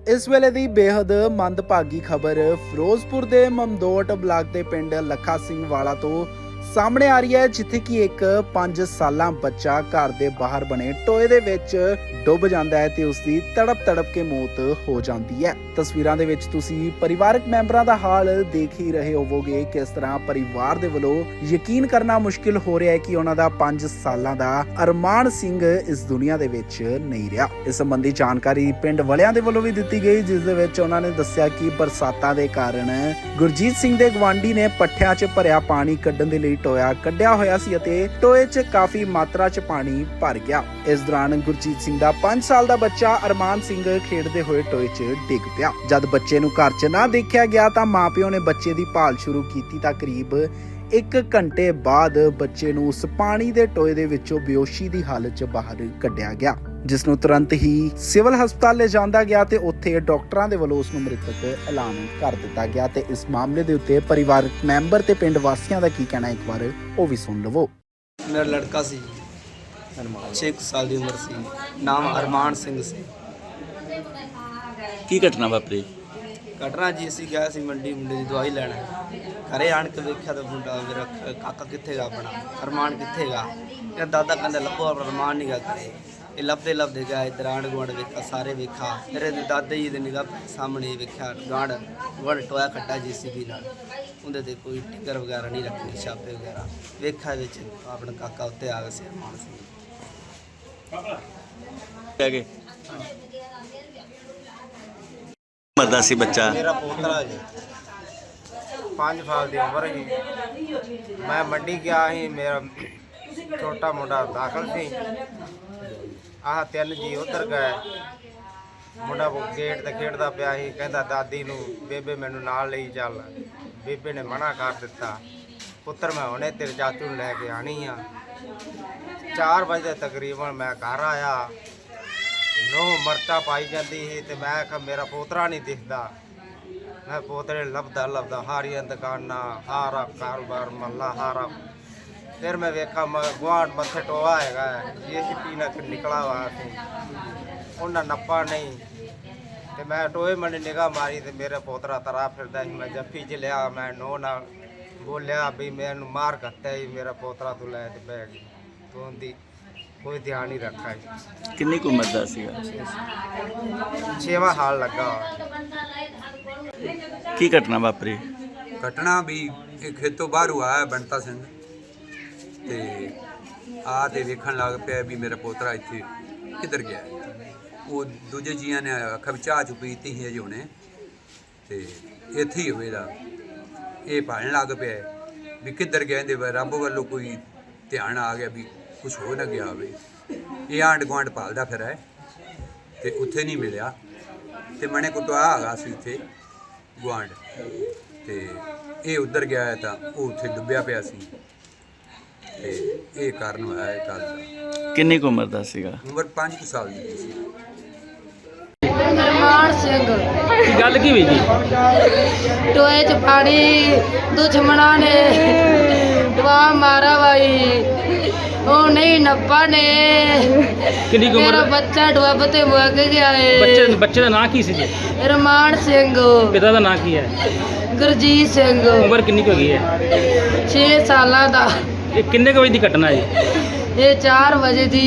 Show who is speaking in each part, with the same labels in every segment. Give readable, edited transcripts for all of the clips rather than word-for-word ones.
Speaker 1: इस वेले दी बेहद मंदभागी खबर फिरोजपुर के ममदोट ब्लाक के पिंड लखा सिंह वाला तो सामने आ रही है, जिथे कि एक 5 साला बच्चा घर के बाहर बने टोए दे विच डुब जाता है ते उसकी तड़प के मौत हो जाती है। तस्वीरां दे विच तुसी परिवारक मैंबरां दा हाल देख ही रहे होवोगे। किस तरह परिवार दे वल्लों यकीन करना मुश्किल हो रहा है कि उन्हां दा 5 सालां दा अरमान सिंह इस दुनिया दे विच नहीं रहा। इस संबंधी जानकारी पिंड वालियां दे वल्लों भी दित्ती गई, जिस दे विच उन्हां ने दस्सिया कि बरसातां दे कारण गुरजीत सिंह दे गवांढी ने पट्ठियां च भरिया पानी कड्ढण दे लई टोया कड्ढिया होया सी अते टोए च काफी मात्रा च पानी भर गया। इस दौरान गुरजीत सिंह दा 5 साल दा बच्चा अरमान सिंह खेडदे होए टोए च डिग पिया। जद बच्चे नूं घर च ना देखिया गया तां मां प्यो ने बच्चे दी भाल शुरू कीती तां करीब 1 घंटे बाद बच्चे नूं उस पानी दे टोए दे विचों बेहोशी दी हालत च बाहर कढिया गया, जिस नूं तुरंत ही सिविल हस्पताल ले जांदा गया ते उत्थे डॉक्टरां दे वल्लों उस नूं मृतक ऐलान कर दित्ता गया। ते इस मामले दे उत्ते परिवारक मैंबर ते पिंड वासियां दा की कहना एक बार ओ भी सुन लवो।
Speaker 2: मेरा लड़का सी 6 साल की उम्र सी, नाम अरमान सिंह सी।
Speaker 3: की घटना वापरी?
Speaker 2: घटना जी असी गया सी मंडी मुंडे की दवाई लैना, घरे आन के वेख्या तो मुंडा मेरा काका कित्थे गा अपना अरमान कित्थे गा। मेरा दादा कहंदा लभो अरमान नहीं गा करे। ये लभदे लभदे गया इधर आंढ गुआंढ वेखा, सारे वेखा। मेरे दादा जी दे निगाह सामने वेख्या गुआंढ टोया खट्टा JCB नाल, उंदे ते कोई टिकर वगैरह नहीं रखे, छापे वगैरह वेखा विच अपना काका उत्ते आ गया सी अरमान सिंह।
Speaker 3: कह गए मरदा सी बच्चा?
Speaker 4: मेरा पोतरा जी 5 साल की उम्र ही। मैं मंडी गया ही, मेरा छोटा मुंडा दाखिल सी। आह 3 जी उधर गए। मुंडा गेट ते खेडदा पिया ही, कहंदा दादी नूं बेबे मैनू नाल लई चल। बेबे ने मना कर दिता, पुत्तर मैं हुणे तेरे चाचू नूं लैके आनी आ। 4 बजे तकरीबन मैं घर आया, नो मरचा पाई जाती ही ते मैं आखा मेरा पोतरा नहीं दिखता। मैं पोतरे लभदा हारियां दुकाना हारा कारोबार मल्ला हारा। फिर मैं वेखा गुआढ़ मत्थे टोआ हैगा JCB ना निकला हुआ सी, उन्हें नप्पा नहीं ते मैं टोए मने निगाह मारी ते मेरा पोतरा तरा फिरदा ही। मैं जफ्फी च लिया, मैं नो ना बोलिया भी मैनू मार कट्टा ही, मेरा पोतरा तू लै ते बह गई। तो उनकी कोई ध्यान नहीं रखा है।
Speaker 3: किन्नी को मरदा सीगा?
Speaker 4: 6वां हाल लगा।
Speaker 3: की घटना वापरी?
Speaker 5: घटना भी ਇਹ ਖੇਤੋਂ ਬਾਹਰੋਂ ਆਇਆ ਬੰਤਾ ਸਿੰਘ ਤੇ ਆ ਤੇ ਵੇਖਣ ਲੱਗ ਪਿਆ ਵੀ ਮੇਰਾ ਪੋਤਰਾ ਇੱਥੇ ਕਿੱਧਰ ਗਿਆ। ਉਹ ਦੂਜੇ ਜੀਆਂ ਨੇ ਅੱਖਾਂ ਵਿੱਚ ਚਾਹ ਪੀਤੀ ਸੀ ਅਜੇ ਹੁਣੇ ਤੇ ਇੱਥੇ ਹੀ ਹੋਵੇਗਾ। ਇਹ ਭਾਲਣ ਲੱਗ ਪਿਆ ਵੀ ਕਿੱਧਰ ਗਿਆ, ਇਹਦੇ ਰੱਬ ਵੱਲੋਂ ਕੋਈ ਧਿਆਨ ਆ ਗਿਆ ਵੀ ਕੁਛ ਹੋ ਨਾ ਗਿਆ ਹੋਵੇ। ਇਹ ਆਂਢ ਗੁਆਂਢ ਭਾਲਦਾ ਫਿਰ ਹੈ ਤੇ ਉੱਥੇ ਨਹੀਂ ਮਿਲਿਆ ਤੇ ਮਣੇ ਕੁਟਵਾ ਹੈਗਾ ਸੀ ਇੱਥੇ ਗੁਆਂਢ ਤੇ ਇਹ ਉੱਧਰ ਗਿਆ ਹੈ ਤਾਂ ਉਹ ਉੱਥੇ ਡੁੱਬਿਆ ਪਿਆ ਸੀ ਤੇ ਇਹ ਕਾਰਨ ਹੋਇਆ ਇਹ ਗੱਲ ਦਾ।
Speaker 3: ਕਿੰਨੀ ਕੋ ਮਰਦਾ ਸੀਗਾ?
Speaker 5: ਉਮਰ 5 ਸਾਲ ਦੀ ਸੀ।
Speaker 6: अरमान सिंह
Speaker 3: ਕੀ ਗੱਲ ਕੀ ਹੋਈ ਜੀ?
Speaker 6: टोए च पानी दुश्मना ने दवा मारा भाई, वो नहीं नप्पा ने।
Speaker 3: ਕਿੰਨੀ ਕੁ
Speaker 6: मेरा
Speaker 3: ਉਮਰ?
Speaker 6: बच्चा डुब ते मुक गया
Speaker 3: ਬੱਚੇ ਦਾ ਨਾਂ ਕੀ ਸੀ ਜੀ?
Speaker 6: अरमान सिंह,
Speaker 3: ਪਿਤਾ ਦਾ ਨਾਂ ਕੀ ਹੈ?
Speaker 6: गुरजीत सिंह,
Speaker 3: ਉਮਰ ਕਿੰਨੀ ਕੁ ਹੈਗੀ ਹੈ?
Speaker 6: 6 साल का।
Speaker 3: ਇਹ ਕਿੰਨੇ ਕੁ ਵਜੇ ਦੀ ਘਟਨਾ ਹੈ?
Speaker 6: ये 4 बजे दी।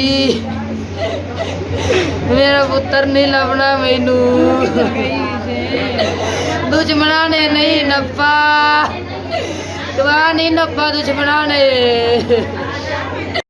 Speaker 6: मेरा पुत्र नहीं लभना मैनू, दुश्मना ने नहीं नप्पा, दवा नहीं नप्पा दुश्मना ने।